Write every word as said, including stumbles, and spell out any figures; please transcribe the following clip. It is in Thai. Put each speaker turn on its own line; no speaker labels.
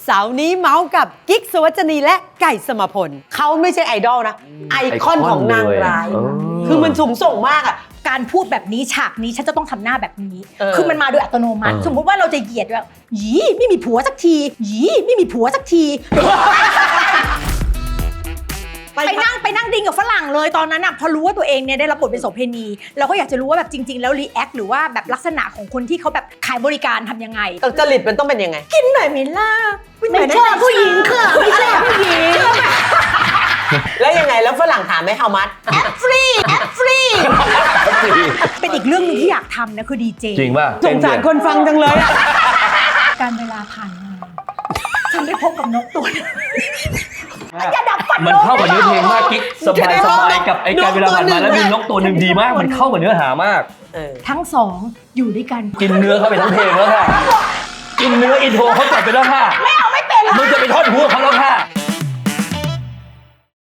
เสาร์นี้เมาส์กับกิ๊กสุวรรณีและไก่สมพลเขาไม่ใช่ไอดอลนะไอคอนของนางร้ายคือมันสูงส่งมากอ่ะ
การพูดแบบนี้ฉากนี้ฉันจะต้องทำหน้าแบบนี้คือมันมาโดยอัตโนมัติสมมุติว่าเราจะเหยียดแบบหยีไม่มีผัวสักทีหยีไม่มีผัวสักทีไปนั่งไปนั่งดิ้งกับฝรั่งเลยตอนนั้นอ่ะพอรู้ว่าตัวเองเนี่ยได้รับบทเป็นโสเภณีเราก็อยากจะรู้ว่าแบบจริงๆแล้วรีแอคหรือว่าแบบลักษณะของคนที่เขาแบบขายบริการทำยังไง
จริตมันต้องเป็นยังไง
กินหน่อยไหมล่ะ
ไม่ใช่ผู้หญิงค่ะไม่ใช่ผู้หญิง
แล้วยังไงแล้วฝรั่งถามไหม how much
แอปฟรีแอปฟรีเป็นอีกเรื่องนึงที่อยากทำนะคือดีเจ
จริงป่ะ
สงสารคนฟังจังเลยอ่ะ
การเวลาผ่านมาฉันได้พบกับนกตัวนึงอย่าดับฝัน
มันเข้ากับเนื้อเพลงมากกิ๊กสบายสบายกับไอ้การเวลาผ่านมาแล้วมีนกตัวหนึ่งดีมากมันเข้ากับเนื้อหามาก
ทั้งสองอยู่ด้วยกัน
กินเนื้อเข้าไปทั้งเพลงแล้วค่ะกินเนื้ออินโทรเขาจัดไปแล้วค่ะ
ไม่เอาไม่เป็น
มึงจะไปทอดหัวเขา